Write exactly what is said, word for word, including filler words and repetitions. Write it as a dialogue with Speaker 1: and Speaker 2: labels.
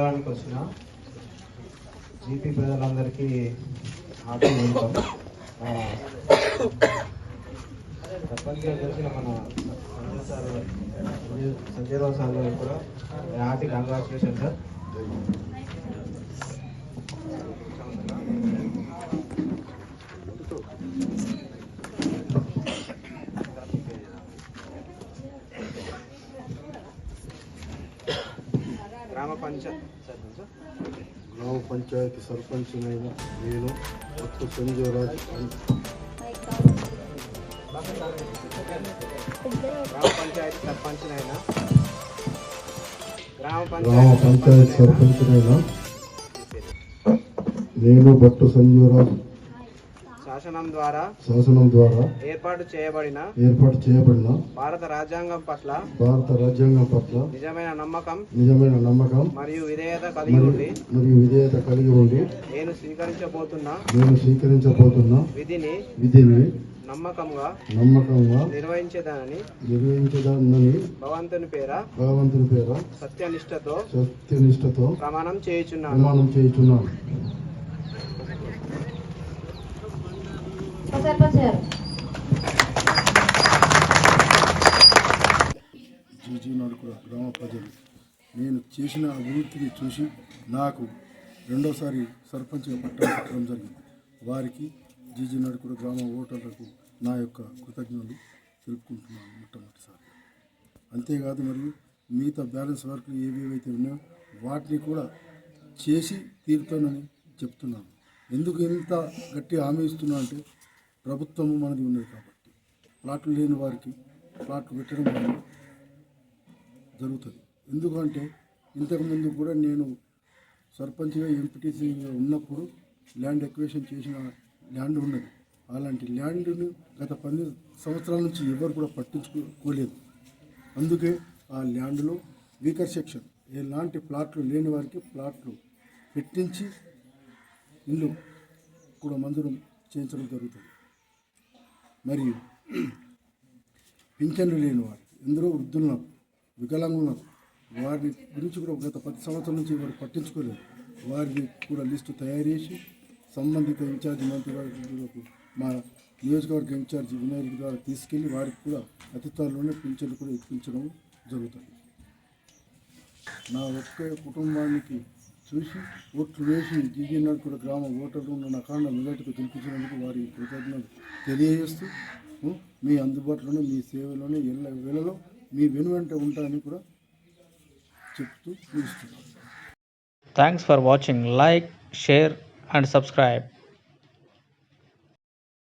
Speaker 1: మండలానికి వచ్చిన జీపీ ప్రజలందరికీ హార్టీ వెల్కమ్. సర్పంచ్ గారికి వచ్చిన మన సంజయ్ సార్ సంజయ్ రావు సార్ గారికి కూడా హార్టీ కంగ్రాచులేషన్ సార్. గ్రామ పంచాయతీ
Speaker 2: గ్రామ పంచాయతీ సర్పంచ్నైన నేను కొత్త సంజయరాజ్
Speaker 1: గ్రామ పంచాయతీ సర్పంచ్నైనా గ్రామ
Speaker 2: గ్రామ పంచాయతీ సర్పంచ్నైన నేను భట్టు సంజయరాజ్
Speaker 1: శాసనం ద్వారా
Speaker 2: శాసనం ద్వారా
Speaker 1: ఏర్పాటు చేయబడిన
Speaker 2: ఏర్పాటు చేయబడిన
Speaker 1: భారత రాజ్యాంగం పట్ల
Speaker 2: భారత రాజ్యాంగం పట్ల
Speaker 1: నిజమైన నమ్మకం
Speaker 2: నిజమైన నమ్మకం
Speaker 1: మరియు విధేయత కలిగి ఉండి
Speaker 2: మరియు విధేయత కలిగి ఉండి
Speaker 1: నేను స్వీకరించబోతున్న
Speaker 2: నేను స్వీకరించబోతున్న
Speaker 1: విధిని
Speaker 2: విధిని
Speaker 1: నమ్మకంగా
Speaker 2: నమ్మకంగా
Speaker 1: నిర్వహించేదానని
Speaker 2: నిర్వహించదానని
Speaker 1: భగవంతుని పేర
Speaker 2: భగవంతుని పేర
Speaker 1: సత్యనిష్టతో
Speaker 2: సత్యనిష్టతో
Speaker 1: ప్రమాణం చేయుచున్నాను
Speaker 2: ప్రమాణం చేయుచున్నాను. జీజీ నడుకుల గ్రామ ప్రజలు నేను చేసిన అభివృద్ధిని చూసి నాకు రెండోసారి సర్పంచ్గా పట్టడం పెట్టడం జరిగింది. వారికి జీజీ నడుకుల గ్రామ ఓటర్లకు నా యొక్క కృతజ్ఞతలు తెలుపుకుంటున్నాను మొట్టమొదటిసారి. అంతేకాదు మరియు మిగతా బ్యాలెన్స్ వర్క్లు ఏవేవైతే ఉన్నాయో వాటిని కూడా చేసి తీరుతానని చెప్తున్నాను. ఎందుకు ఇంత గట్టి హామీ ఇస్తున్నా అంటే ప్రభుత్వము మనది ఉన్నది కాబట్టి ప్లాట్లు లేని వారికి ప్లాట్లు పెట్టడం వల్ల జరుగుతుంది. ఎందుకంటే ఇంతకుముందు కూడా నేను సర్పంచ్గా ఎంపీటీసీగా ఉన్నప్పుడు ల్యాండ్ ఎక్వేషన్ చేసిన ల్యాండ్ ఉన్నది. అలాంటి ల్యాండ్ను గత పది సంవత్సరాల నుంచి ఎవరు కూడా పట్టించుకోలేదు. అందుకే ఆ ల్యాండ్లో వీకర్ సెక్షన్ ఎలాంటి ప్లాట్లు లేని వారికి ప్లాట్లు పెట్టించి ఇల్లు కూడా మంజూరు చేయించడం జరుగుతుంది. మరియు పింఛన్లు లేని వారికి ఎందరో వృద్ధులున్నారు, వికలాంగులు ఉన్నారు. వారి గురించి కూడా గత పది సంవత్సరాల నుంచి వారు పట్టించుకోలేదు. వారిని కూడా లిస్టు తయారు చేసి సంబంధిత ఇన్ఛార్జి మంత్రి వారికి మా నియోజకవర్గ ఇన్ఛార్జి వినాయకుడి ద్వారా తీసుకెళ్ళి వారికి కూడా అతి త్వరలోనే పింఛన్లు కూడా ఇప్పించడం జరుగుతుంది. నా ఒక్క కుటుంబానికి చూసి ఓట్లు వేసి జీజీ నడుకుల గ్రామ ఓటర్లు ఉన్న అఖండ మెజార్టీతో గెలిపించినందుకు వారి కృతజ్ఞతలు తెలియజేస్తూ మీ అందుబాటులోనే మీ సేవలోనే ఎల్ల వేళలో మీ వెనువెంట ఉంటానని కూడా చెప్తూ ముగిస్తున్నాను.
Speaker 3: Thanks for watching. Like, share and subscribe.